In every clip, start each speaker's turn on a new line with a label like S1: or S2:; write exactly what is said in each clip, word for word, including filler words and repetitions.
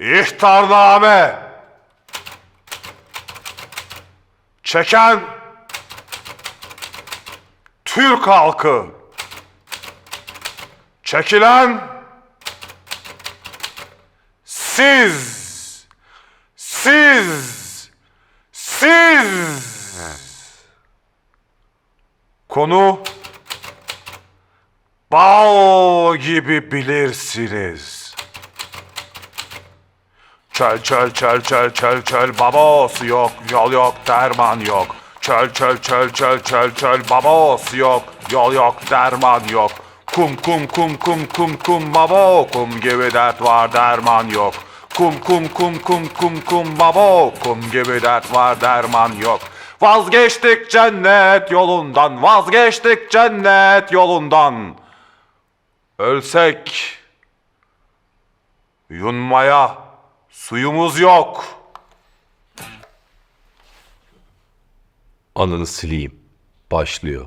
S1: İhtarname. Çeken Türk halkı. Çekilen siz. Siz. Siz. Konu bal gibi bilirsiniz. Çöl çöl çöl çöl çöl çöl babası yok, yol yok, derman yok. Çöl çöl çöl çöl çöl çöl babası yok, yol yok, derman yok. Kum kum kum kum kum kum babo, kum gibi dert var, derman yok. Kum kum kum kum kum kum babo, kum gibi dert var, derman yok. Vazgeçtik cennet yolundan, vazgeçtik cennet yolundan. Ölsek yunmaya suyumuz yok.
S2: Ananı sileyim. Başlıyor.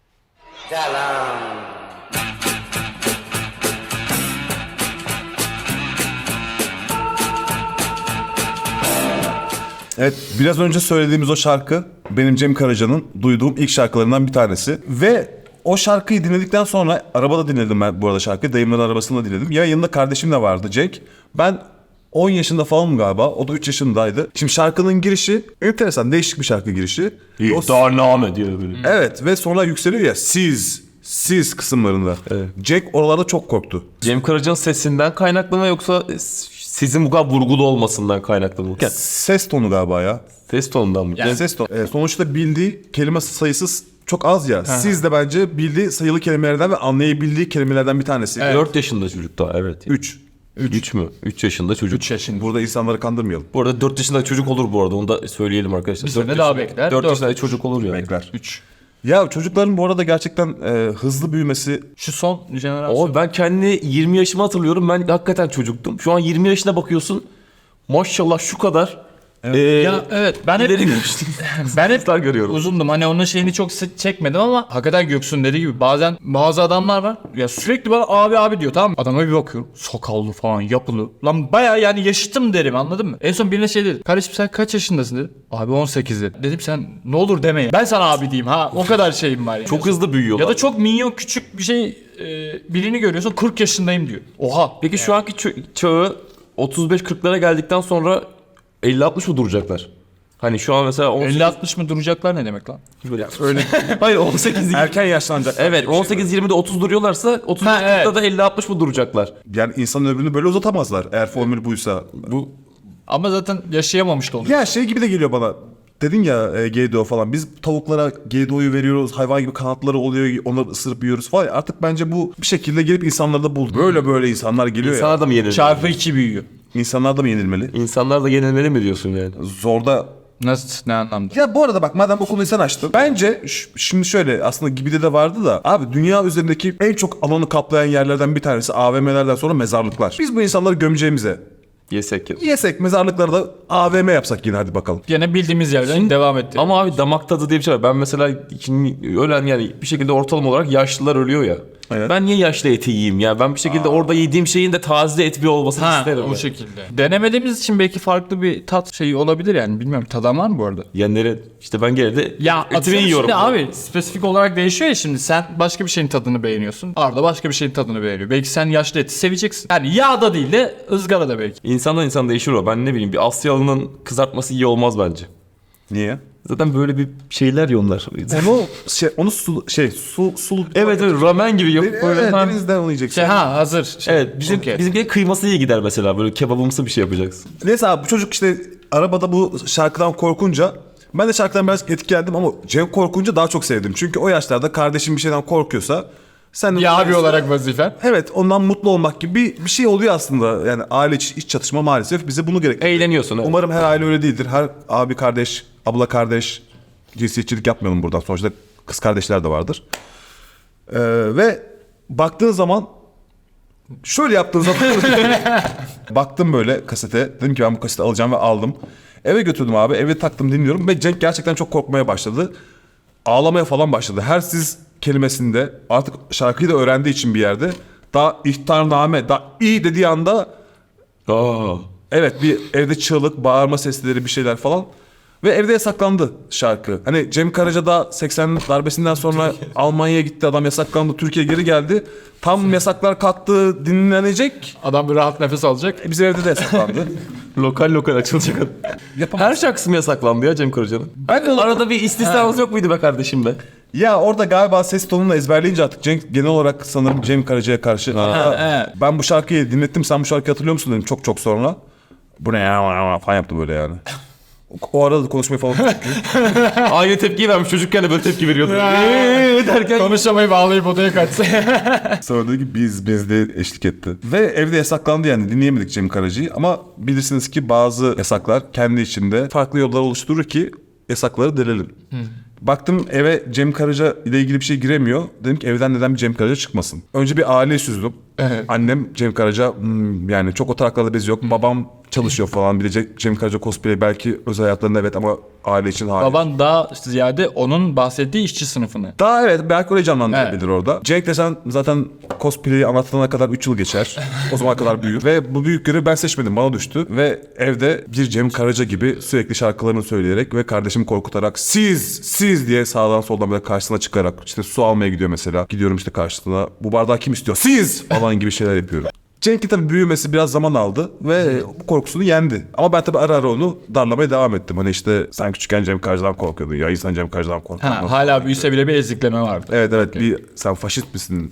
S3: Evet, biraz önce söylediğimiz o şarkı benim Cem Karaca'nın duyduğum ilk şarkılarından bir tanesi. Ve o şarkıyı dinledikten sonra, arabada dinledim ben bu arada şarkıyı, dayımların arabasında dinledim. Ya yanında kardeşim de vardı, Jack. Ben on yaşında falanım galiba, o da üç yaşındaydı. Şimdi şarkının girişi enteresan, değişik bir şarkı girişi.
S2: İhtarname diyor böyle.
S3: Evet, ve sonra yükseliyor ya, siz, siz kısımlarında.
S2: Evet.
S3: Jack oralarda çok korktu.
S2: Cem Karaca'nın sesinden kaynaklı mı yoksa sizin bu kadar vurgulu olmasından kaynaklı mı? Yani
S3: Ses tonu galiba ya.
S2: ses tonundan mı?
S3: Yani ses tonu. Ee, sonuçta bildiği kelime sayısı çok az ya. Siz de bence bildiği sayılı kelimelerden ve anlayabildiği kelimelerden bir tanesi.
S2: dört yaşında çocuk daha, evet.
S3: Üç.
S2: üç mü? üç yaşında çocuk.
S4: üç yaşında.
S3: Burada insanları kandırmayalım.
S2: Bu arada dört yaşında çocuk olur bu arada, onu da söyleyelim arkadaşlar.
S4: Bir sene daha bekler.
S2: dört
S4: Dört.
S2: yaşında çocuk olur yani.
S3: Bekler.
S4: üç.
S3: Ya çocukların bu arada gerçekten e, hızlı büyümesi.
S4: Şu son jenerasyon.
S2: Ama ben kendi yirmi yaşımı hatırlıyorum. Ben hakikaten çocuktum. Şu an yirmi yaşına bakıyorsun. Maşallah şu kadar. Evet.
S4: Ya evet, ben hep
S2: ileri görüştüm.
S4: ben hep
S2: görüyorum.
S4: uzundum. Hani onun şeyini çok sık çekmedim ama hakikaten Göksu'nun dediği gibi bazen bazı adamlar var. Ya sürekli bana abi abi diyor, tamam mı? Adama bir bakıyorum. Sakallı falan, yapılı. Lan bayağı yani yaşıtım derim, anladın mı? En son birine şey dedi. Kardeşim sen kaç yaşındasın dedi. Abi on sekiz dedi. Dedim sen ne olur deme ya. Ben sana abi diyeyim ha. O kadar şeyim var yani.
S2: Çok hızlı büyüyorlar.
S4: Ya da çok minyon küçük bir şey e, birini görüyorsun, kırk yaşındayım diyor. Oha.
S2: Peki şu anki çö- çağı otuz beş kırklara geldikten sonra elli altmış mı duracaklar? Hani şu an mesela on sekiz...
S4: elli altmış mı duracaklar ne demek lan?
S2: Öyle. Hayır on sekiz
S3: Erken yaşlanacak.
S2: Evet on sekiz yirmide otuz duruyorlarsa otuz
S4: Ha,
S2: kırkta
S4: evet.
S2: da elli altmış mı duracaklar?
S3: Yani insanın ömrünü böyle uzatamazlar eğer formül buysa.
S2: Bu
S4: Ama zaten yaşayamamış da oluyor.
S3: Ya şey gibi de geliyor bana. Dedin ya e, G D O falan. Biz tavuklara G D O'yu veriyoruz. Hayvan gibi kanatları oluyor. Onları ısırıp yiyoruz falan. Artık bence bu bir şekilde gelip insanları da buldu. Böyle böyle insanlar geliyor ya.
S2: insanlar da mı yenilmeli?
S4: Çarpı iki büyüyor.
S3: İnsanlar da mı yenilmeli?
S2: İnsanlar da yenilmeli mi diyorsun yani?
S3: Zorda.
S4: Nasıl, ne anlamda?
S3: Ya bu arada bak, madem bu konuyu sen açtın. Bence ş- şimdi şöyle, aslında Gibi'de de vardı da. Abi dünya üzerindeki en çok alanı kaplayan yerlerden bir tanesi A V M'lerden sonra mezarlıklar. Biz bu insanları gömeceğimize
S2: Yesek ya.
S3: yesek, mezarlıkları da A V M yapsak yine, hadi bakalım.
S4: Gene bildiğimiz yerden devam etti.
S2: Ama abi damak tadı diye bir şey var. Ben mesela şimdi ölen, yani bir şekilde ortalama olarak yaşlılar ölüyor ya.
S3: Evet.
S2: Ben niye yaşlı eti yiyeyim ya? Ben bir şekilde orada yediğim şeyin de taze et bir olmasını
S4: Ha,
S2: isterim.
S4: o
S2: yani.
S4: şekilde. Denemediğimiz için belki farklı bir tat şeyi olabilir yani. Bilmiyorum, tadan var mı bu arada?
S2: Yenleri işte ben gene de
S4: Ya
S2: etimi
S4: atıyorum
S2: yiyorum.
S4: şimdi abi, spesifik olarak değişiyor ya şimdi. Sen başka bir şeyin tadını beğeniyorsun. Arda başka bir şeyin tadını beğeniyor. Belki sen yaşlı eti seveceksin. Yani yağda değil de ızgarada belki.
S2: İnsandan insan değişir o. Ben ne bileyim, bir Asyalı'nın kızartması iyi olmaz bence.
S3: Niye?
S2: Zaten böyle bir şeyler yiyorlar.
S3: Onu şey, onu su şey su sulu.
S2: Evet evet, ramen gibi yapıp
S3: Evet,
S2: böyle. Ha.
S3: denizden onu yiyeceksin.
S4: Şey ha hazır. Şey,
S2: Evet, bizim
S4: okey.
S2: bizimki kıyması iyi gider mesela, böyle kebabımsı bir şey yapacaksın.
S3: Neyse abi, bu çocuk işte arabada bu şarkıdan korkunca, ben de şarkıdan biraz etkilendim ama Cem korkunca daha çok sevdim. Çünkü o yaşlarda kardeşim bir şeyden korkuyorsa sen de...
S4: Bir abi olarak vazifen.
S3: Evet, ondan mutlu olmak gibi bir, bir şey oluyor aslında. Yani aile içi iç çatışma maalesef bize bunu gerektiriyor.
S2: Eğleniyorsun. Evet.
S3: Umarım her aile öyle değildir. Her abi kardeş, abla kardeş, cinsiyetçilik yapmayalım buradan. Sonuçta kız kardeşler de vardır. Ee, ve baktığın zaman, şöyle yaptığın zaman baktım böyle kasete. Dedim ki ben bu kaseti alacağım ve aldım. Eve götürdüm abi. Eve taktım, dinliyorum ve Cenk gerçekten çok korkmaya başladı. Ağlamaya falan başladı. Her siz kelimesinde artık şarkıyı da öğrendiği için bir yerde daha ihtarname, daha iyi dediği anda
S2: Aa.
S3: Evet, bir evde çığlık, bağırma sesleri, bir şeyler falan. Ve evde yasaklandı şarkı. Hani Cem Karaca da seksen darbesinden sonra Almanya'ya gitti, adam yasaklandı, Türkiye geri geldi. Tam yasaklar kalktı, dinlenecek.
S4: Adam bir rahat nefes alacak.
S3: E, bizim evde de yasaklandı.
S2: Lokal lokal açılacak.
S3: Yapamaz.
S2: Her şarkısı mı yasaklandı ya Cem Karaca'nın?
S3: Ben de-
S2: Arada bir istisnamız yok muydu be kardeşim be?
S3: Ya orada galiba ses tonunu ezberleyince artık Cenk, genel olarak sanırım Cem Karaca'ya karşı. Hatta ben bu şarkıyı dinlettim, sen bu şarkıyı hatırlıyor musun dedim çok çok sonra. Bu ne ya falan yaptı böyle yani. O arada da konuşmayı falan
S2: Aynı tepkiyi vermiş, çocukken de böyle tepki veriyordu. Eee derken.
S4: Konuşamayıp ağlayıp odaya kaçsa.
S3: sonra dedi ki biz biz de eşlik etti. Ve evde yasaklandı, yani dinleyemedik Cem Karaca'yı, ama bilirsiniz ki bazı yasaklar kendi içinde farklı yollar oluşturur ki yasakları delelim. Baktım eve Cem Karaca ile ilgili bir şey giremiyor. Dedim ki evden neden bir Cem Karaca çıkmasın? Önce bir aile süzdüm.
S4: Evet.
S3: Annem Cem Karaca hmm, yani çok o taraklarda bezi yok. Babam çalışıyor falan, bilecek Cem Karaca cosplay belki özel hayatlarında evet ama aile için hayır.
S4: Baban daha ziyade onun bahsettiği işçi sınıfını.
S3: Daha evet belki orayı canlandırabilir orada. Cenk desen zaten cosplay'i anlatana kadar üç yıl geçer. O zamana kadar büyür. Ve bu büyük görevi ben seçmedim, bana düştü. Ve evde bir Cem Karaca gibi sürekli şarkılarını söyleyerek ve kardeşimi korkutarak siz siz diye sağdan soldan böyle karşısına çıkarak işte su almaya gidiyor mesela. Gidiyorum işte karşısına, bu bardağı kim istiyor? Siz falan gibi şeyler yapıyorum. Cenk'in tabii büyümesi biraz zaman aldı ve bu korkusunu yendi. Ama ben tabii ara ara onu darlamaya devam ettim. Hani işte sen küçükken Cem Karaca'dan korkuyordun ya, insan Cem Karaca'dan korkar.
S4: Ha, hala büyüse bile bir ezikleme vardı.
S3: Evet evet bir sen faşist misin?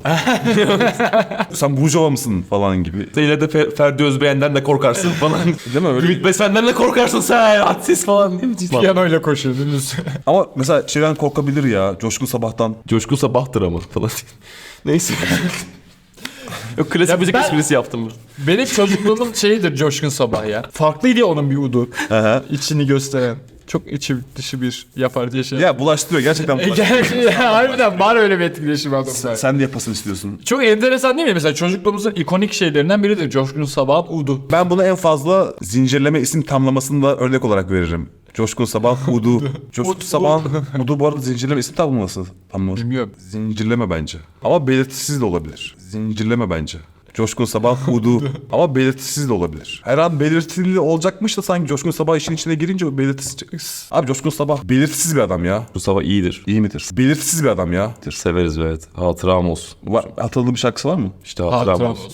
S3: Sen burjuva mısın falan gibi.
S2: Sen yine de Fer- Ferdi Özbeğen'den de korkarsın falan.
S3: Değil mi öyle?
S2: Ümit Besen'den de korkarsın sen. Hadsiz falan. Değil mi?
S4: Piyanoyla koşuyordunuz.
S3: Ama mesela şeyden korkabilir ya, Coşkun Sabah'tan.
S2: Coşkun Sabah'tır ama falan. Neyse. Yok, klasik
S4: Ya
S2: müzik
S4: ben-
S2: esprisi yaptım.
S4: Benim çocukluğumun şeyidir Coşkun Sabah ya. Farklıydı ya onun bir udu. İçini gösteren. Çok içi dışı bir yapar diye şey.
S3: Ya bulaştırıyor gerçekten bulaştırıyor.
S4: Gerçi ya, harbiden var öyle bir etkileşim adamda.
S3: Sen de yapasın istiyorsun.
S4: Çok enteresan değil mi? Mesela çocukluğumuzun ikonik şeylerinden biridir Coşkun Sabah'ın udu.
S3: Ben bunu en fazla zincirleme isim tamlamasında örnek olarak veririm. Coşkun Sabah Udu. Coşkun Sabah'ın Udu bu arada zincirleme isim tamlaması. tamlaması.
S4: Bilmiyorum.
S3: Zincirleme bence. Ama belirtisiz de olabilir. Zincirleme bence. Coşkun Sabah Udu. Ama belirtisiz de olabilir. Her an belirtili olacakmış da sanki Coşkun Sabah işin içine girince o belirtisiz. Abi Coşkun Sabah belirtisiz bir adam ya.
S2: Bu sabah iyidir.
S3: İyi midir? Belirtisiz bir adam ya.
S2: Severiz evet. Hatıram olsun.
S3: Var, hatırladığın bir şarkısı var mı?
S2: İşte hatıram,
S4: Hatıram
S2: olsun.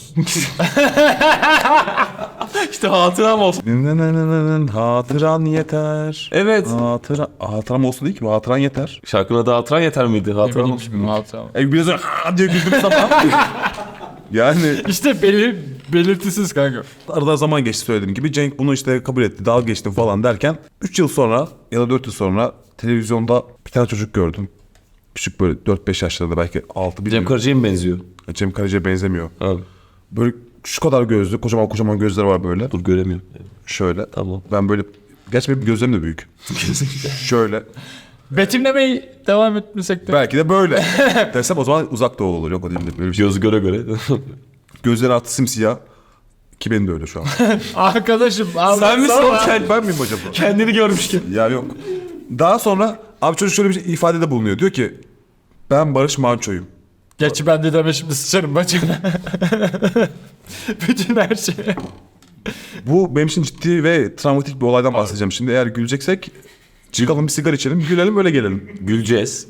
S2: İşte hatıram olsun.
S3: Nınınınının hatıran yeter.
S2: Evet.
S3: Hatıra, hatıram olsun değil ki, bu hatıran yeter.
S2: Şarkının adı hatıran yeter miydi? Hatıram olsun.
S4: Bilmiyorum, hatıram.
S3: E biraz önce ha diye güldüm sabah. Yani
S4: İşte belir, belirtisiz kanka.
S3: arada zaman geçti söylediğim gibi. Cenk bunu işte kabul etti, dalga geçtim falan derken üç yıl sonra ya da dört yıl sonra televizyonda bir tane çocuk gördüm. Küçük böyle dört beş yaşlarında, belki altı
S2: Cem
S3: bilmiyorum.
S2: Karaca'ya mı benziyor?
S3: Cem Karaca'ya benzemiyor.
S2: Abi.
S3: Böyle şu kadar gözlü, kocaman kocaman gözleri var böyle.
S2: Dur göremiyorum.
S3: Şöyle.
S2: Tamam.
S3: Ben böyle, gerçi benim gözlerim de büyük. Şöyle.
S4: Betimlemeyi devam etmesek de.
S3: Belki de böyle. Desem o zaman uzak doğu olur. Yok o değil de böyle bir şey.
S2: Göz göre göre.
S3: Gözleri artı simsiyah. Ki benim de öyle şu an.
S4: Arkadaşım.
S2: Sen misin
S4: anlatsana.
S2: o kend-
S3: Ben miyim acaba?
S2: kendini görmüşken?
S3: Ya yok. Daha sonra abi çocuk şöyle bir şey, ifadede bulunuyor. Diyor ki ben Barış Manço'yum.
S4: Gerçi ben de deme şimdi sıçarım bacına. Bütün her şey.
S3: Bu benim için ciddi ve travmatik bir olaydan bahsedeceğim. Şimdi eğer güleceksek çıkalım bir sigara içelim, gülelim, öyle gelelim.
S2: Güleceğiz.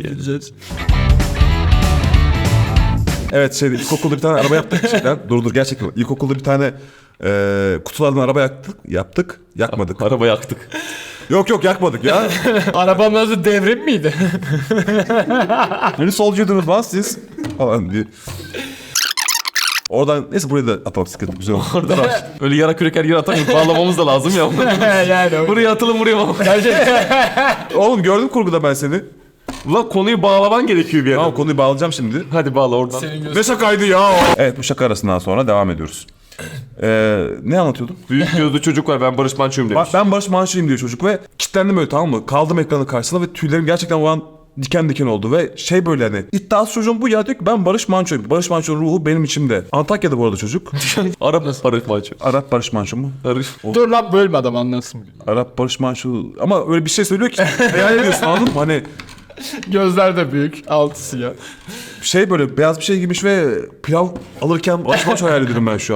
S3: Evet şeyde ilkokulda bir tane araba yaptık şeyler. Dur dur gerçekten. İlkokulda bir tane e, kutulardan araba yaktık. Yaptık. Yakmadık.
S2: Araba yaktık.
S3: Yok yok yakmadık ya.
S4: Arabanın adı devrim miydi?
S3: Hani solcuydunuz lan siz? Falan diye. Oradan neyse buraya da atalım, sıkıntı güzel oldu.
S2: Orada var. Öyle yara küreker yere atar bağlamamız da lazım ya.
S4: yani.
S2: Buraya atılın buraya bağlamam.
S3: Oğlum gördüm kurguda ben seni.
S2: Ulan konuyu bağlaman gerekiyor bir yere.
S3: Tamam konuyu bağlayacağım şimdi.
S2: Hadi bağla oradan.
S4: Senin göz...
S3: Ne şakaydı ya o? Evet bu şaka arasından sonra devam ediyoruz. Ee, ne anlatıyordum?
S2: Büyük gözlü çocuk var, ben Barış Manço'yum demiş.
S3: Bak ben Barış Manço'yum diyor çocuk ve kilitlendim öyle, tamam mı? Kaldım ekranın karşısında ve tüylerim gerçekten o an diken diken oldu ve şey böyle hani iddiası çocuğum bu ya, diyor ki ben Barış Manço'yum. Barış Manço'nun ruhu benim içimde. Antakya'da bu arada çocuk.
S2: Arap Barış Manço.
S3: Arap Barış Manço mu?
S2: Barış.
S4: Dur lan bölme adam anlasın.
S3: Arap Barış Manço ama öyle bir şey söylüyor ki hayal ediyorsun, anladın mı? Hani
S4: Gözler de büyük. Altı siyah.
S3: şey böyle beyaz bir şey giymiş ve pilav alırken Barış Manço hayal ediyorum ben şu an.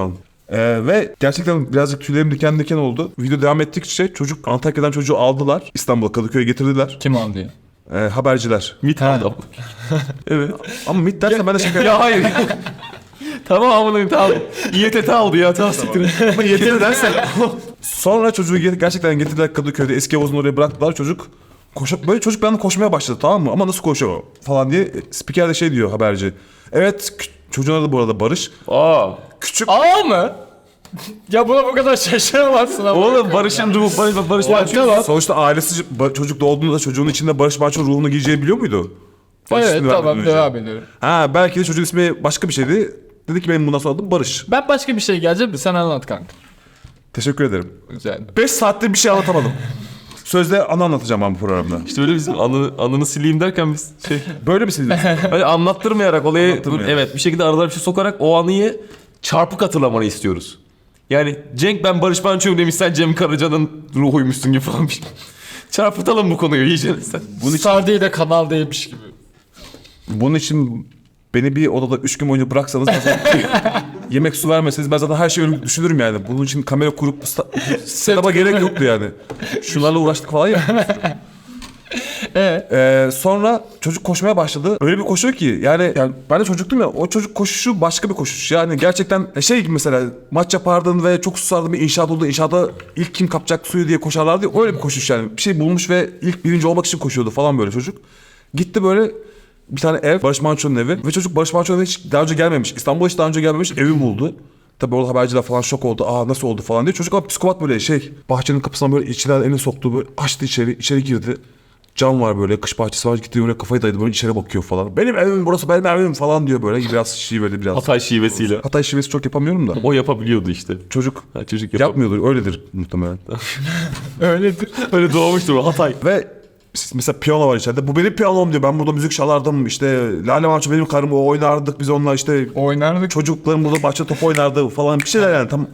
S3: Ee, ve gerçekten birazcık tüylerim diken diken oldu. Video devam ettikçe çocuk Antakya'dan çocuğu aldılar. İstanbul'a, Kadıköy'e getirdiler.
S4: Kim aldı ya?
S3: Ee, haberciler.
S2: Mit aldı. Evet.
S3: Ama MİT dersen ben de şaka
S2: Ya hayır. Tamam amına tamam. İ T T aldı ya tamam siktir.
S3: Ama yeter dersen. Sonra çocuğu ge- gerçekten getirdiler Kadıköy'de. Eski havuzun oraya bıraktılar. Çocuk koşup böyle çocuk bir anda koşmaya başladı, tamam mı? Ama nasıl koşuyor falan diye spiker de şey diyor, haberci. Evet, kü- çocuğun adı bu arada Barış.
S2: Aa.
S3: Küçük
S4: Aa mı? Ya buna bu kadar şaşıramazsın ama.
S2: Oğlum Barış'ın ruhu Barış Barış
S4: Ya
S2: Manço.
S4: tamam.
S3: sonuçta ailesi ba- çocuk doğduğunda çocuğun içinde Barış Manço ruhunu giyeceği biliyor muydu? Barış
S4: Evet
S3: ismini
S4: tamam
S3: vermeden önce.
S4: devam ediyorum.
S3: Ha, belki de çocuğun ismi başka bir şeydi. Dedi ki benim bundan sonra adım Barış.
S4: Ben başka bir şey geleceğim de sen anlat kanka.
S3: Teşekkür ederim.
S4: Güzel.
S3: beş saatte bir şey anlatamadım. Sözde anı anlatacağım ben bu programda.
S2: İşte öyle bizim anını, anını sileyim derken biz şey
S3: Böyle mi seviyorsun?
S2: böyle anlattırmayarak olayı
S3: Anlattırmayarak.
S2: evet bir şekilde aralara bir şey sokarak o anıyı çarpık hatırlamanı istiyoruz. Yani Cenk ben Barış Manço'yum demiş, sen Cem Karaca'nın ruhuymuşsun gibi falan bir şey. Çarpıtalım bu konuyu iyice sen.
S4: Bunu Sardi'yi de kanal değilmiş gibi.
S3: Bunun için beni bir odada üç gün boyunca bıraksanız yemek su vermeseniz ben zaten her şeyi düşünürüm yani. Bunun için kamera kurup sta- setup'a gerek yoktu yani. Şunlarla uğraştık falan ya.
S4: Evet.
S3: Ee, sonra çocuk koşmaya başladı. Öyle bir koşuyor ki yani, yani ben de çocuktum ya, o çocuk koşuşu başka bir koşuş. Yani gerçekten şey gibi, mesela maç yapardın ve çok susardın, bir inşaat oldu. İnşaata ilk kim kapacak suyu diye koşarlardı ya, öyle bir koşuş yani. Bir şey bulmuş ve ilk birinci olmak için koşuyordu falan böyle çocuk. Gitti böyle bir tane ev, Barış Manço'nun evi ve çocuk Barış Manço'nun hiç daha önce gelmemiş. İstanbul'a hiç daha önce gelmemiş, evi buldu. Tabii orada haberciler falan şok oldu. Aa nasıl oldu falan diye. Çocuk ama psikopat böyle şey. Bahçenin kapısına böyle içinden elini soktu, böyle açtı içeri, içeri girdi. Cam var böyle, kış bahçesi var, gitti böyle kafayı dayadı, böyle içeri bakıyor falan. Benim evim burası, benim evim falan diyor böyle. Biraz şiveli biraz.
S2: Hatay şivesiyle.
S3: Hatay şivesi çok yapamıyorum da.
S2: O yapabiliyordu işte.
S3: Çocuk
S2: Ha, çocuk yapamıyor.
S3: yapmıyordur, öyledir muhtemelen.
S4: Öyledir.
S2: Öyle doğmuştur o Hatay.
S3: Ve mesela piyano var içeride. Bu benim piyanom diyor. Ben burada müzik çalardım. İşte Lale Manço benim karım, o oynardık biz onunla, işte
S4: Oynardık.
S3: çocuklarım burada bahçede top oynardı falan, bir şeyler yani. Tam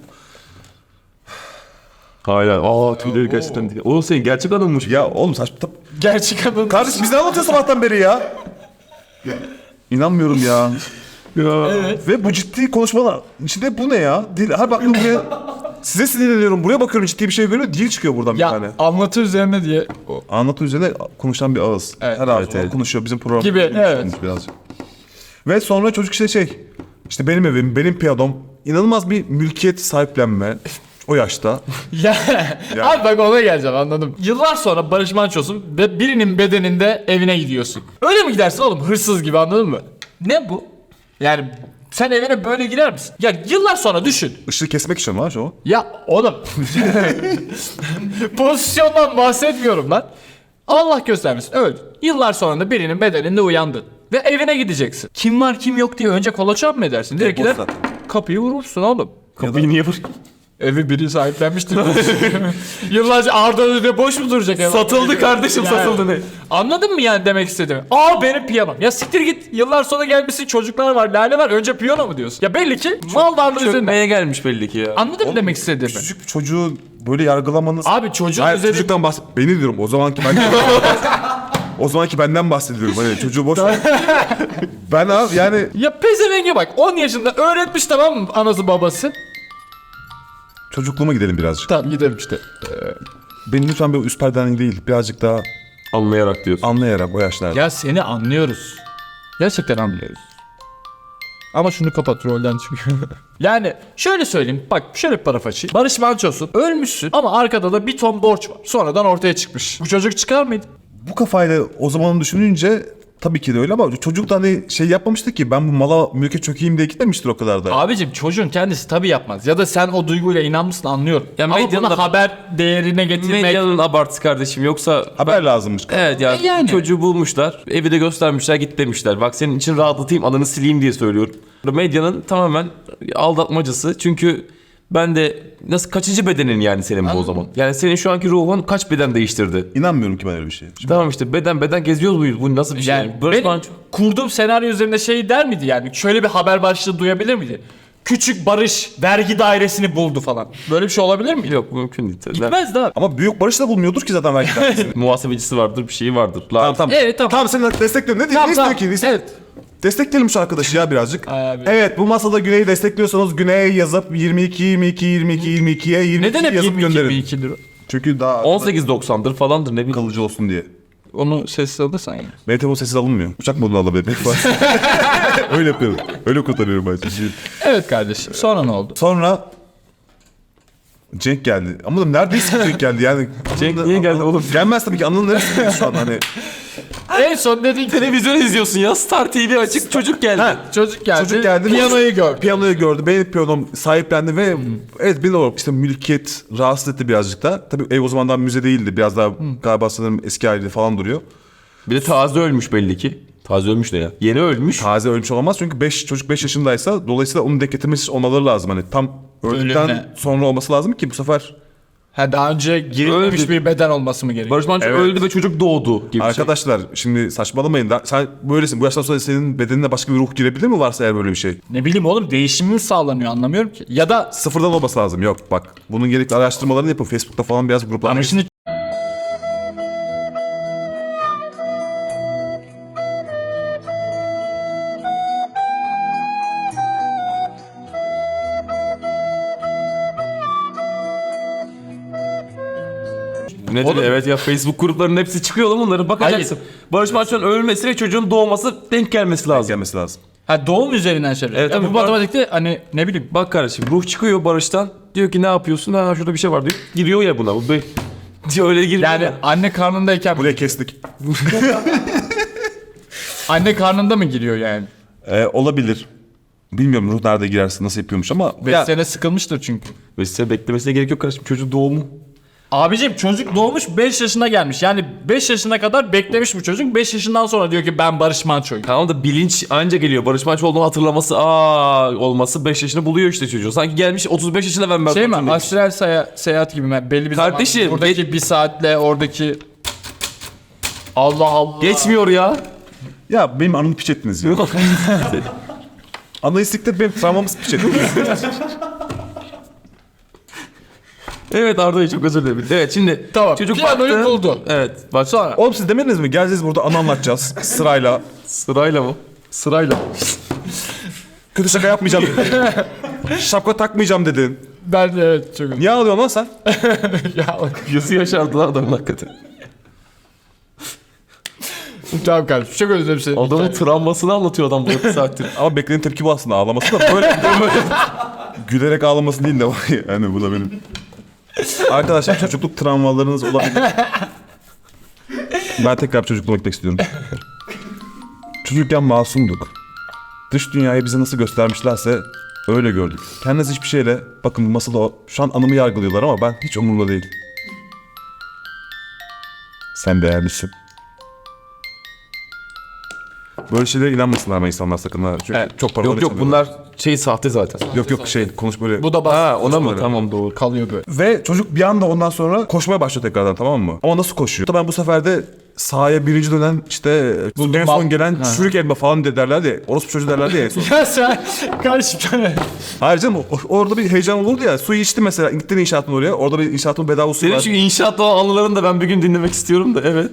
S2: Hala. Aa tüyleri gerçekten değil. O senin gerçek adammış.
S3: ya oğlum saçma. Tam...
S4: Gerçek adın.
S3: Kardeş biz ne anlatıyoruz sabahtan beri ya? İnanmıyorum ya.
S2: Ya.
S3: Ve bu ciddi konuşmalar. İçinde bu ne ya? Dil, her baktığım buraya size sinirleniyorum. Buraya bakıyorum, ciddi bir şey görüyorum. Dil çıkıyor buradan bir tane.
S4: Ya anlatı üzerine diye. O.
S3: Anlatı üzerine konuşan bir ağız.
S4: Evet,
S3: her ağız
S2: evet, evet.
S3: konuşuyor bizim program.
S4: Gibi, evet.
S3: Birazcık. Ve sonra çocuk işte şey. İşte benim evim, benim piyanom. İnanılmaz bir mülkiyet sahiplenme. O yaşta.
S4: Ya, abi bak ona geleceğim, anladım. Yıllar sonra Barış Manço'sun ve birinin bedeninde evine gidiyorsun. Öyle mi gidersin oğlum, hırsız gibi, anladın mı? Ne bu? Yani sen evine böyle girer misin? Ya yıllar sonra düşün.
S3: Işığı kesmek için var o.
S4: Ya oğlum. Pozisyondan bahsetmiyorum lan. Allah göstermesin, öldün. Yıllar sonra da birinin bedeninde uyandın. Ve evine gideceksin. Kim var kim yok diye önce kolaçan mı edersin? Direkt gider
S3: zaten.
S4: kapıyı vurursun oğlum.
S2: Kapıyı niye vuruyor?
S4: Evi biri sahiplenmiştir. Yıllarca Arda Öde boş mu duracak ev?
S2: Satıldı kardeşim,
S4: Yani.
S2: satıldı ne?
S4: Anladın mı yani demek istediğimi? Aa benim piyanom. Ya siktir git. Yıllar sonra gelmişsin, çocuklar var, lale var. Önce piyano mu diyorsun? Ya belli ki mal varlığı üzerinde.
S2: Çökmeye gelmiş belli ki ya.
S4: Anladın mı demek istediğimi?
S3: Küçücük bir çocuğu böyle yargılamanız...
S4: Abi çocuğun
S3: Hayır,
S4: üzerinde...
S3: çocuktan bahset... Beni diyorum o zamanki ben... o zamanki benden bahsediyorum. Hani çocuğu boş ver. Ben abi yani...
S4: Ya pezevenge bak, on yaşında öğretmiş, tamam mı, anası babası.
S3: Çocukluğuma gidelim birazcık.
S4: Tamam gidelim işte.
S3: Beni lütfen böyle üst perdeden değil, birazcık daha
S2: Anlayarak diyorsun.
S3: anlayarak o yaşlarda.
S4: Ya seni anlıyoruz. Gerçekten anlıyoruz. Ama şunu kapat, rolden çıkıyor. Yani şöyle söyleyeyim, bak şöyle bir paraf açayım. Barış Manço'sun, ölmüşsün ama arkada da bir ton borç var. Sonradan ortaya çıkmış. Bu çocuk çıkar mıydı?
S3: Bu kafayla o zamanı düşününce tabii ki de öyle, ama çocuk da hani şey yapmamıştı ki, ben bu mala mülke çökeyim diye gitmemiştir o kadar da.
S4: Abicim çocuğun kendisi tabii yapmaz. Ya da sen o duyguyla inanmışsın, anlıyorum.
S2: Ya
S4: ama
S2: medyanın
S4: bunu
S2: da-
S4: haber değerine getirmek...
S2: Medyanın abartısı kardeşim, yoksa
S3: Haber lazımmış.
S2: evet ya,
S4: E yani.
S2: çocuğu bulmuşlar, evi de göstermişler, git demişler. Bak senin için rahatlatayım, ananı sileyim diye söylüyorum. Medyanın tamamen aldatmacası, çünkü ben de nasıl, kaçıncı bedenin yani senin bu o zaman? Yani senin şu anki ruhun kaç beden değiştirdi?
S3: İnanmıyorum ki ben öyle bir şeye.
S2: Tamam işte beden beden geziyoruz muyuz? Bu nasıl bir şey?
S4: Yani
S2: Barış
S4: benim
S2: Manço.
S4: kurduğum senaryo üzerinde şey der miydi yani? Şöyle bir haber başlığı duyabilir miydi? Küçük Barış vergi dairesini buldu falan. Böyle bir şey olabilir mi?
S2: Yok, mümkün değil. Ne-
S4: Gitmezdi abi.
S3: Ama Büyük Barış da bulmuyordur ki zaten belki de.
S2: Muhasebecisi vardır, bir şeyi vardır. La-
S3: tamam tamam.
S4: Evet, tamam.
S3: Tamam seni destekliyorum. Ne,
S4: Tamam,
S3: ne
S4: tamam.
S3: istiyor ki? Ne istiyor?
S4: Evet.
S3: Destekleyelim şu arkadaşı ya birazcık.
S4: Abi.
S3: Evet, bu masada Güney'i destekliyorsanız Güney'e yazıp yirmi iki yirmi iki yirmi iki yirmi ikiye yirmi iki
S4: Neden hep
S3: yazıp
S4: yirmi iki
S3: gönderin.
S4: yirmi iki lira?
S3: Çünkü daha
S2: on sekiz doksandır falandır ne bileyim.
S3: kalıcı olsun diye.
S4: Onu sessiz alırsan ya.
S3: Benim telefon sessiz alınmıyor. Uçak moduna alabilirim. Öyle yapıyorum. Öyle kurtarıyorum ben.
S4: Evet kardeşim. Sonra ne oldu?
S3: Sonra Cenk geldi. Ama neredeyse Cenk geldi yani.
S2: Cenk niye geldi oğlum?
S3: Gelmez tabii ki, Anıl'ın neresindeyiz şu an hani.
S4: En son dedin ki
S2: Televizyon izliyorsun ya. Star T V açık, çocuk geldi.
S4: çocuk geldi.
S3: Çocuk geldi.
S4: Piyanoyu gör.
S3: Piyanoyu gördü. Benim piyanom sahiplendi ve evet bir olarak işte mülkiyet rahatsız etti birazcık da. Tabii ev o zamandan müze değildi. Biraz daha galiba sanırım eski halinde falan duruyor.
S2: Bir de taze ölmüş belli ki. Taze ölmüş ne ya? Yeni ölmüş.
S3: Taze ölmüş olamaz çünkü beş çocuk beş yaşındaysa dolayısıyla onu denk getirmesi olmaları lazım. Hani tam öldükten
S4: Ölümle.
S3: sonra olması lazım ki bu sefer
S4: Ha, daha önce girilmemiş
S2: Öldü.
S4: bir beden olması mı gerekiyor?
S2: Barış Manço
S3: Evet.
S2: öldü ve çocuk doğdu gibi bir şey.
S3: arkadaşlar şimdi saçmalamayın da sen böylesin. Bu yaştan sonra senin bedenine başka bir ruh girebilir mi varsa eğer böyle bir şey?
S4: Ne bileyim oğlum, değişimi sağlanıyor, anlamıyorum ki. Ya da
S3: Sıfırdan olması lazım. Yok bak bunun gerekli araştırmalarını yapın. Facebook'ta falan biraz gruplar.
S4: ama şimdi
S2: Ne dedi? Evet ya, Facebook gruplarının hepsi çıkıyor oğlum, onları bakacaksın. Barış Manço'nun ölmesi ve çocuğun doğması denk gelmesi lazım.
S3: gelmesi lazım.
S4: ha, doğum üzerinden şey.
S2: Evet,
S4: Ya
S2: tabii.
S4: bu matematikte hani ne bileyim.
S2: Bak kardeşim, ruh çıkıyor Barış'tan. Diyor ki ne yapıyorsun? Ha şurada bir şey var diyor. Giriyor ya buna. Bu be- diyor öyle giriyor.
S4: Yani
S2: ya.
S4: anne karnındayken
S3: Buraya kestik.
S4: anne karnında mı giriyor yani?
S3: Ee, olabilir. Bilmiyorum ruh nerede girersin, nasıl yapıyormuş ama
S4: beş
S3: ya,
S4: sene sıkılmıştır çünkü.
S2: Ve size beklemesine gerek yok kardeşim. Çocuğun doğumu.
S4: Abicim çocuk doğmuş beş yaşına gelmiş. Yani beş yaşına kadar beklemiş bu çocuk. beş yaşından sonra diyor ki ben Barış Manço'yum.
S2: Tamam da bilinç anca geliyor. Barış Manço olduğunu hatırlaması, aa olması beş yaşını buluyor işte çocuğu. Sanki gelmiş otuz beş yaşında ben Barış
S4: Şey mi?
S2: Manço'yum demiş.
S4: Astral saya- seyahat gibi mi? Belli bir
S2: Kardeşim,
S4: zaman buradaki bir saatle oradaki Allah Allah.
S2: Geçmiyor ya.
S3: ya benim anımı piç ettiniz ya. Analistikte benim travmamız piç ettiniz.
S2: Evet Arda'yı çok özür dilerim. Evet şimdi
S4: Tamam,
S2: çocuk
S4: piyanoyu
S2: baktı.
S4: buldu.
S2: Evet bak
S4: Sonra
S3: Oğlum siz demediniz mi? Geleceğiz burada anı anlatacağız sırayla.
S2: sırayla mı? Sırayla.
S3: Kötü şaka yapmayacağım dedin. Şapka takmayacağım dedin.
S4: ben evet çok
S3: Niye ağlıyorsun lan sen?
S4: ya
S2: Yüzü yaşardı lan adamın hakikaten.
S4: tamam kardeşim, çok özür dilerim seni.
S2: Adamın travmasını anlatıyor adam bu bir saattir.
S3: Ama beklenen tepki bu aslında, ağlaması da böyle, böyle gülerek ağlaması değil de var ya, yani bu da benim. Arkadaşlar çocukluk travmalarınız olabilir. Ben tekrar çocukluğuma gitmek istiyorum. Çocukken masumduk. Dış dünyayı bize nasıl göstermişlerse öyle gördük. Kendiniz hiçbir şeyle, bakın bu masada o- şu an anımı yargılıyorlar ama ben hiç umurumda değil. Sen değerlisin. Böyle şeylere inanmasınlar ama insanlar sakın ha. Çünkü
S4: Evet.
S3: çok para
S2: Yok yok bunlar şey sahte zaten.
S3: Yok yok şey konuş böyle.
S4: Bu da bas
S2: Ha ona mı?
S3: Öyle.
S2: Tamam doğru.
S4: kalıyor böyle.
S3: Ve çocuk bir anda ondan sonra koşmaya başlıyor tekrardan, tamam mı? Ama nasıl koşuyor? Ben bu sefer de sahaya birinci dönen işte
S4: Buldum
S3: en son
S4: mal-
S3: gelen
S4: Ha.
S3: çürük elma falan de derlerdi ya. Orospu çocuğu derlerdi ya en son.
S4: Ya sen kardeşim
S3: Hayır canım o- orada bir heyecan olurdu ya. Suyu içti mesela. Gittin inşaatın oraya. Orada bir inşaatın bedava su
S2: Senin
S3: var.
S2: şu inşaat olan anılarını da ben bir gün dinlemek istiyorum da evet.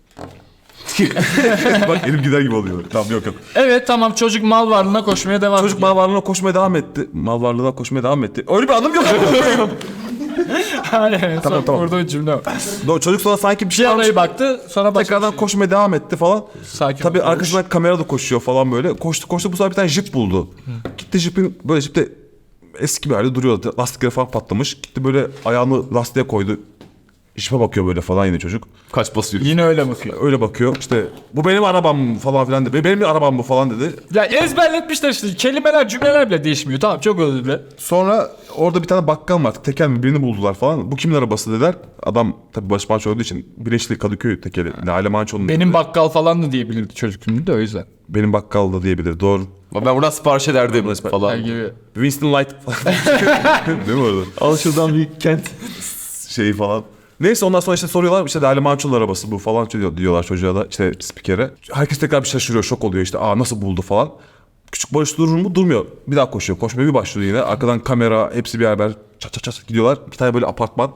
S3: Bak elim gider gibi oluyor. Tamam yok yok.
S4: evet tamam, çocuk mal varlığına koşmaya devam
S3: Çocuk
S4: ediyor.
S3: mal varlığına koşmaya devam etti. Mal varlığına koşmaya devam etti. Öyle bir anım yok.
S4: Aynen,
S3: Tamam,
S4: tamam
S3: tamam.
S4: Burada cümle var.
S3: Doğru, çocuk sonra sanki bir şey almış.
S4: Piyanoya baktı, sonra başka
S3: Tekrardan
S4: bir şey.
S3: koşmaya devam etti falan.
S4: Sakin
S3: Tabii
S4: ol.
S3: arkasından kamera da koşuyor falan böyle. Koştu koştu, bu sefer bir tane jip buldu. Gitti jipin böyle jipte eski bir halde duruyordu. Lastikleri falan patlamış. Gitti böyle ayağını lastiğe koydu. Jipe bakıyor böyle falan yine çocuk.
S2: Kaç basıyor?
S4: Yine öyle bakıyor.
S3: Öyle bakıyor işte bu benim arabam falan filan dedi. Benim arabam bu falan dedi.
S4: Ya ezberletmişler işte, kelimeler cümleler bile değişmiyor. Tamam, çok özür dilerim.
S3: Sonra orada bir tane bakkal var. Tekel mi birini buldular falan. Bu kimin arabası dediler. Adam tabii Barış Manço olduğu için Bileşikli Kadıköy tekeli. Lale Manço'nun.
S4: Benim bakkal falan da diyebilirdi çocuk şimdi de, o yüzden.
S3: Benim bakkal da diyebilir. Doğru.
S2: Ben buradan sipariş ederdim falan.
S4: Gibi.
S3: Winston Light falan. Değil mi orada?
S2: Al şuradan bir kent.
S3: Şeyi falan. Neyse ondan sonra işte soruyorlar işte Lale Manço'nun arabası bu falan diyor- diyorlar çocuğa da işte spikere. Herkes tekrar bir şaşırıyor, şok oluyor işte aa nasıl buldu falan. Küçük Barış durur mu? Durmuyor. Bir daha koşuyor. Koşmaya bir başlıyor yine. Arkadan kamera hepsi bir haber çat çat çat gidiyorlar. Bir tane böyle apartman.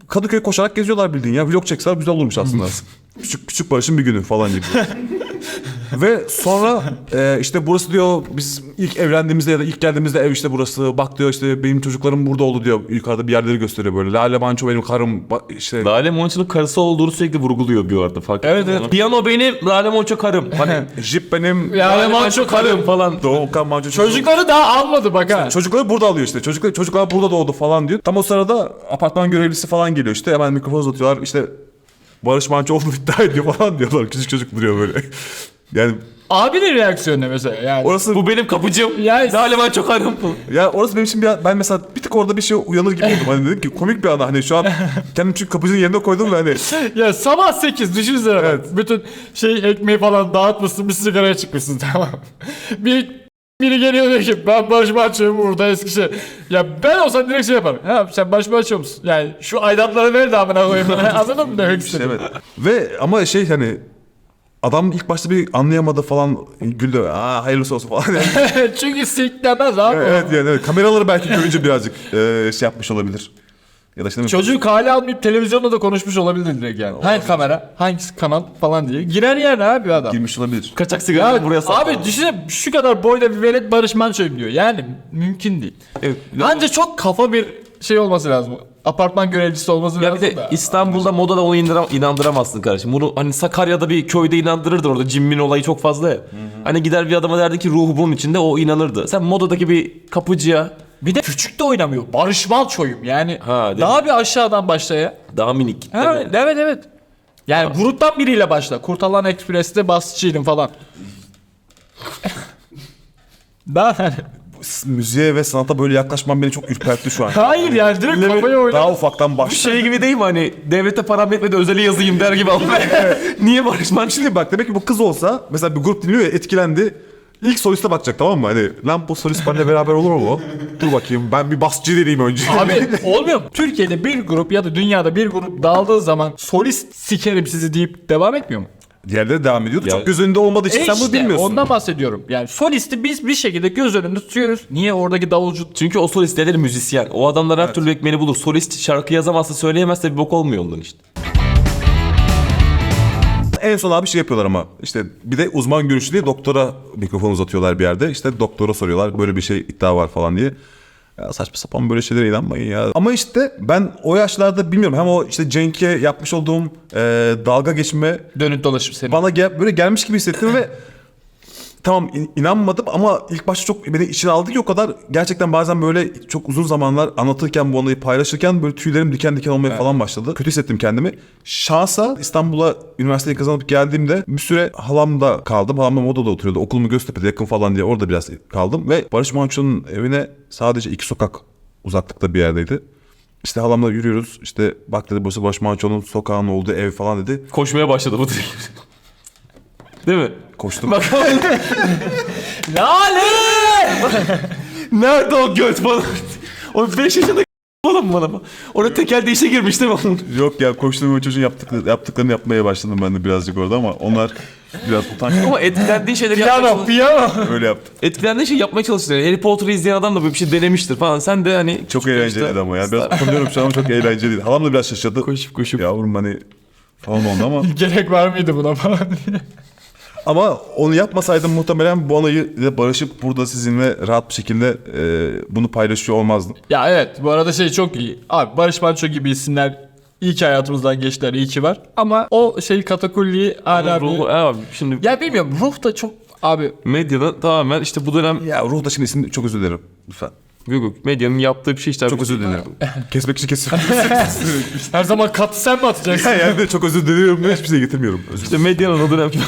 S3: Kadıköy koşarak geziyorlar bildiğin ya. Vlog çekseler güzel olurmuş aslında. küçük küçük Barış'ın bir günü falan gibi. Ve sonra e, işte burası diyor biz ilk evlendiğimizde ya da ilk geldiğimizde ev işte burası. Bak diyor işte benim çocuklarım burada oldu diyor. Yukarıda bir yerleri gösteriyor böyle. Lale Manço benim karım ba- işte.
S2: Lale Monço'nun karısı olduğunu sürekli vurguluyor bir arada fark
S4: Evet,
S2: ettin mi?
S4: evet.
S2: Piyano benim, Lale Monço karım. Hani
S3: Jip benim.
S4: Lale Manço karım
S2: falan.
S3: Doğukan Manço
S4: Çocukları daha almadı bak ha.
S3: Çocukları burada alıyor işte. Çocuklar, çocuklar burada doğdu falan diyor. Tam o sırada apartman görevlisi falan geliyor işte. Hemen mikrofon uzatıyorlar. İşte Barış Manço olduğunu iddia ediyor falan diyorlar. Küçük çocuk duruyor böyle. Yani
S4: Abinin reaksiyonu ne mesela yani.
S3: orası
S2: Bu benim kapıcım.
S4: Ya-
S2: Lale Monço karım.
S3: ya orası benim için bir, ben mesela bir tık orada bir şey uyanır gibi oldum. Hani dedim ki komik bir ana. Hani şu an kendim çünkü kapıcının yerine koydum ve hani
S4: Ya sabah sekiz düşünsene bak.
S3: Evet.
S4: Bütün şey ekmeği falan dağıtmışsın bir sigaraya çıkmışsın tamam. Bir biri geliyor diyor ki ben Barış Manço'yum burada Eskişehir. Ya ben olsam direkt şey yaparım. Ha sen Barış Manço musun? Yani şu aidatları ver de amına koyayım. Anladın mı demek istedim?
S3: evet. Ve ama şey hani adam ilk başta bir anlayamadı falan güldü. Aa hayırlısı olsun falan. Yani,
S4: Çünkü siklemez abi.
S3: evet yani evet. Kameraları belki görünce birazcık e, şey yapmış olabilir. Ya da işte
S4: Çocuk hale almayıp televizyonda da konuşmuş olabilir direkt yani. Hangi kamera, hangi kanal falan diye. Girer yani abi adam.
S3: girmiş olabilir.
S2: Kaçak sigara
S4: Ya,
S2: buraya saklı.
S4: abi düşünsene şu kadar boyda bir velet Barış Manço'yum diyor. Yani mümkün değil.
S2: Evet.
S4: Anca çok kafa bir şey olması lazım. Apartman görevlisi olması
S2: Ya
S4: lazım
S2: bir de
S4: da.
S2: İstanbul'da modada onu inandıram- inandıramazsın kardeşim. Bunu hani Sakarya'da bir köyde inandırırdı orada cimmin olayı çok fazla ya. Hani gider bir adama derdi ki ruhu bunun içinde o inanırdı. Sen modadaki bir kapıcıya
S4: Bir de küçük de oynamıyor. Barış Manço'yum yani.
S2: Ha, değil
S4: daha bir aşağıdan başla ya.
S2: daha minik.
S4: Ha,
S2: değil mi?
S4: evet evet. Yani gruptan biriyle başla. Kurtalan Ekspres'te basçıydım falan. Daha hani.
S3: Müziğe ve sanata böyle yaklaşmam beni çok ürpertti şu an.
S4: Hayır yani direkt kafayı oyna.
S3: Daha ufaktan baş.
S2: Şey gibi değil mi hani devlete param yetmedi özeli yazayım der gibi aldım. Niye Barış Manço?
S3: Şimdi bak demek ki bu kız olsa mesela bir grup dinliyor ya etkilendi. İlk soliste bakacak tamam mı? Hani lan bu solist benimle beraber olur mu? Dur bakayım ben bir basçı deneyeyim önce.
S4: Abi olmuyor mu? Türkiye'de bir grup ya da dünyada bir grup dağıldığı zaman solist sikerim sizi deyip devam etmiyor mu?
S3: Diğerleri devam ediyordu.
S2: Ya-
S3: Çok göz önünde olmadığı için
S4: E
S3: sen bunu
S4: işte,
S3: bilmiyorsun.
S4: ondan bahsediyorum. Yani solisti biz bir şekilde göz önünde tutuyoruz. Niye oradaki davulcu
S2: Çünkü o solist nedir müzisyen. O adamlar her türlü ekmeğini bulur. Solist şarkı yazamazsa söyleyemezse bir bok olmuyor ondan işte.
S3: En son abi şey yapıyorlar ama işte bir de uzman görüşü diye doktora mikrofon uzatıyorlar bir yerde. İşte doktora soruyorlar böyle bir şey iddia var falan diye. Ya saçma sapan böyle şeylere inanmayın ya. Ama işte ben o yaşlarda bilmiyorum hem o işte Cenk'e yapmış olduğum e, dalga geçme
S4: dönüp dolaşıp seni.
S3: bana gel, böyle gelmiş gibi hissettim ve tamam in- inanmadım ama ilk başta çok beni içine aldı ki o kadar gerçekten bazen böyle çok uzun zamanlar anlatırken bu olayı paylaşırken böyle tüylerim diken diken olmaya falan başladı. Kötü hissettim kendimi. Şansa İstanbul'a üniversiteyi kazanıp geldiğimde bir süre halamda kaldım. Halam da Moda'da oturuyordu. Okulumu Göztepe'de yakın falan diye orada biraz kaldım ve Barış Manço'nun evine sadece iki sokak uzaklıkta bir yerdeydi. İşte halamla yürüyoruz. İşte bak dedi burası Barış Manço'nun sokağının olduğu ev falan dedi.
S2: Koşmaya başladı bu direkt. Değil mi?
S3: Koştum.
S2: Bak
S4: Lale!
S2: nerede o göt bana? O beş yaşında oğlum bana. Orada tekel değişe girmiş değil mi?
S3: Yok ya koştuğum o çocuğun yaptıkları, yaptıklarını yapmaya başladım ben de birazcık orada ama onlar biraz utanç.
S2: Ama etkilendiği şeyleri yapmaya
S4: Piyano,
S2: çalış-
S4: piyano.
S3: Öyle yaptı.
S2: Etkilendiği şey yapmaya çalışıyor. Harry Potter'ı izleyen adam da böyle bir şey denemiştir falan. Sen de hani
S3: Çok eğlenceliydi ama ya. Biraz utanıyorum şu an ama çok eğlenceliydi. Halam da biraz şaşırdı.
S2: koşup koşup.
S3: Yavrum hani falan oldu ama.
S4: Gerek var mıydı buna falan diye.
S3: Ama onu yapmasaydım muhtemelen bu anayı ile barışıp burada sizinle rahat bir şekilde e, bunu paylaşıyor olmazdım.
S4: Ya evet bu arada şey çok iyi. Abi Barış Manço gibi isimler iyi ki hayatımızdan geçtiler, iyi ki var. Ama o şey katakulliyi hala
S2: Ruh,
S4: bir...
S2: abi şimdi
S4: Ya bilmiyorum ruh da çok abi
S2: medyada tamamen işte bu dönem
S3: Ya ruhda şimdi isim çok özür dilerim. Lütfen.
S2: yok, yok, medyanın yaptığı bir şey işte.
S3: Çok özür dilerim. Kesmek için kesiyorum.
S4: her zaman katı sen mi atacaksın?
S3: yani de çok özür diliyorum ve hiçbir şey getirmiyorum. Özür
S2: İşte medyanın o dönem.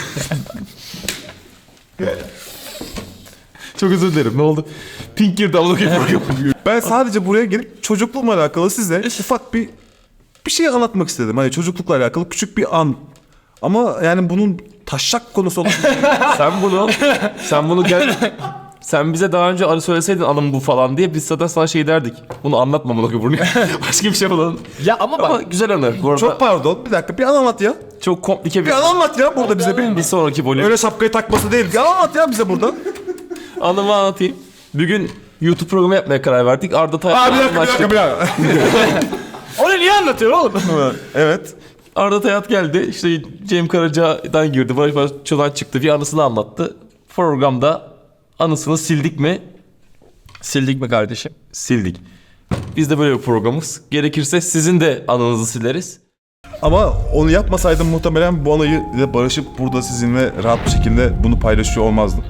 S2: Çok özür dilerim. Ne oldu? Pink girdi abla gibi program.
S3: Ben sadece buraya gelip çocukluğumla alakalı size ufak bir bir şey anlatmak istedim. Hani çocuklukla alakalı küçük bir an. Ama yani bunun taşak konusu olan
S2: Sen bunu sen bunu gel sen bize daha önce arı söyleseydin alın bu falan diye biz zaten sana şey derdik. Bunu anlatma bunu bunu. Başka bir şey yapalım.
S4: Ya ama bak
S2: Ama güzel anı. Bu arada
S3: çok
S2: çok,
S3: pardon bir dakika bir an anlat ya.
S2: çok komplike bir
S3: Bir an anlat ya burada bize bir.
S2: bir sonraki bölüm.
S3: Öyle şapkayı takması değil. Bir an anlat ya bize burada.
S2: Anımı anlatayım. Bir gün YouTube programı yapmaya karar verdik. Arda Tay.
S3: Aa bir dakika bir dakika bir dakika.
S4: onu niye anlatıyor oğlum?
S3: Evet.
S2: Arda Tayat geldi. İşte Cem Karaca'dan girdi. Barış Manço'dan çıktı. Bir anısını anlattı. Programda anısını sildik mi?
S4: Sildik mi kardeşim?
S2: Sildik. Biz de böyle bir programız. Gerekirse sizin de anınızı sileriz.
S3: Ama onu yapmasaydım muhtemelen bu anıyı da barışıp burada sizinle rahat bir şekilde bunu paylaşıyor olmazdım.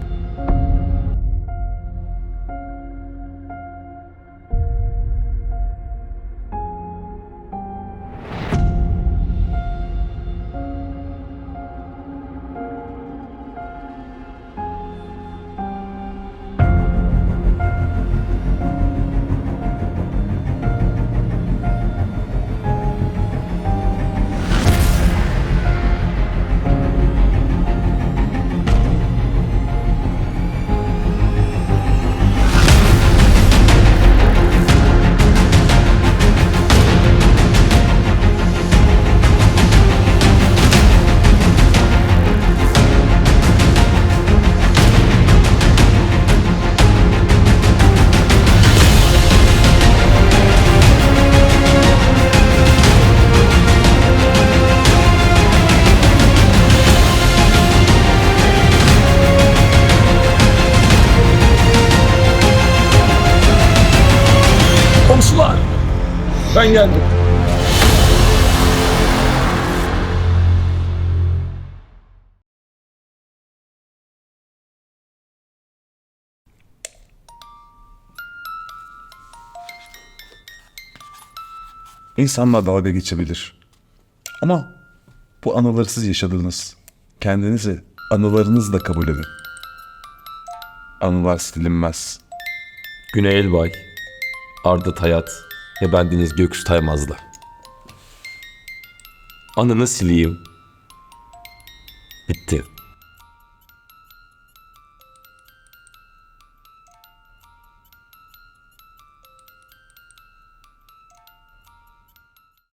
S2: Komşular! Ben geldim.
S3: İnsanlar dalga geçebilir. Ama bu anıları siz yaşadınız. Kendinizi anılarınızla kabul edin. Anılar silinmez.
S2: Güney Elbay, Arda Tayat ve bendeniz Göksu Taymaz'la. Anını sileyim. Bitti.